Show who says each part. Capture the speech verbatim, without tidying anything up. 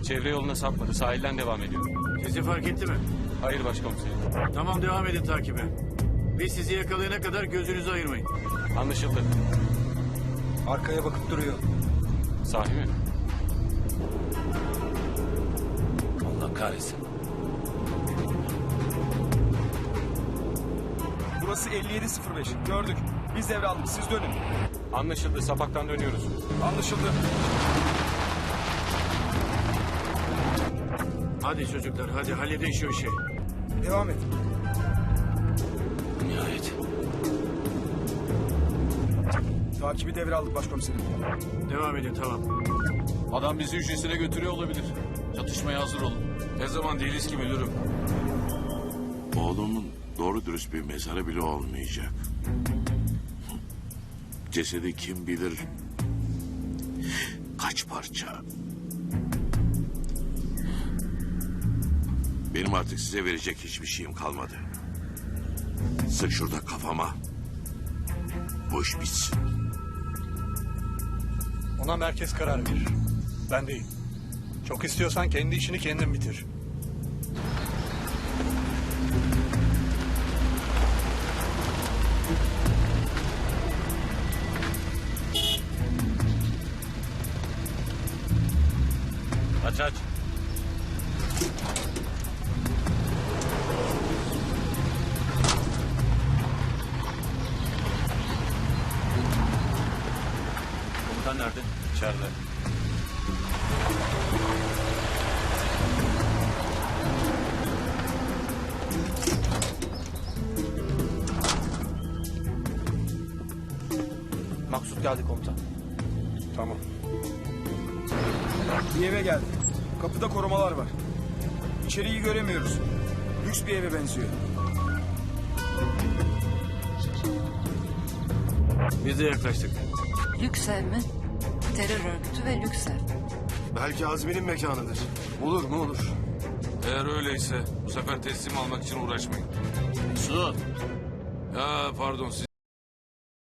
Speaker 1: Çevre yoluna sapmadı. Sahilden devam ediyor.
Speaker 2: Sizi fark etti mi?
Speaker 1: Hayır başkomiserim.
Speaker 2: Tamam, devam edin takibe. Biz sizi yakalayana kadar gözünüzü ayırmayın.
Speaker 1: Anlaşıldı.
Speaker 3: Arkaya bakıp duruyor.
Speaker 1: Sahi mi?
Speaker 4: Allah kahretsin.
Speaker 3: Burası elli yedi sıfır beş. Gördük. Biz devraldık. Siz dönün.
Speaker 1: Anlaşıldı. Sapaktan dönüyoruz.
Speaker 3: Anlaşıldı.
Speaker 2: Hadi çocuklar, hadi halledin şu işi.
Speaker 3: Devam et.
Speaker 4: Nihayet.
Speaker 3: Takibi devraldık başkomiserim.
Speaker 2: Devam edin, tamam.
Speaker 4: Adam bizi hücresine götürüyor olabilir. Çatışmaya hazır olun.
Speaker 1: Ne zaman değiliz ki müdürüm?
Speaker 5: Oğlumun doğru dürüst bir mezarı bile olmayacak. Cesedi kim bilir kaç parça. Benim artık size verecek hiçbir şeyim kalmadı. Sık şurada kafama. Bu iş bitsin.
Speaker 6: Ona merkez karar verir. Ben değil. Çok istiyorsan kendi işini kendin bitir.
Speaker 4: Aç aç.
Speaker 1: Komutan nerede?
Speaker 4: İçeride.
Speaker 1: Maksut geldi komutan.
Speaker 6: Tamam.
Speaker 3: Bir eve geldik. Kapıda korumalar var. İçeriği göremiyoruz. Lüks bir eve benziyor.
Speaker 2: Biz de yaklaştık.
Speaker 7: Lüksev mi? Terör örgütü ve Lüksev.
Speaker 8: Belki Azmi'nin mekanıdır.
Speaker 3: Olur mu olur.
Speaker 9: Eğer öyleyse bu sefer teslim almak için uğraşmayın.
Speaker 4: Su.
Speaker 9: Ya pardon siz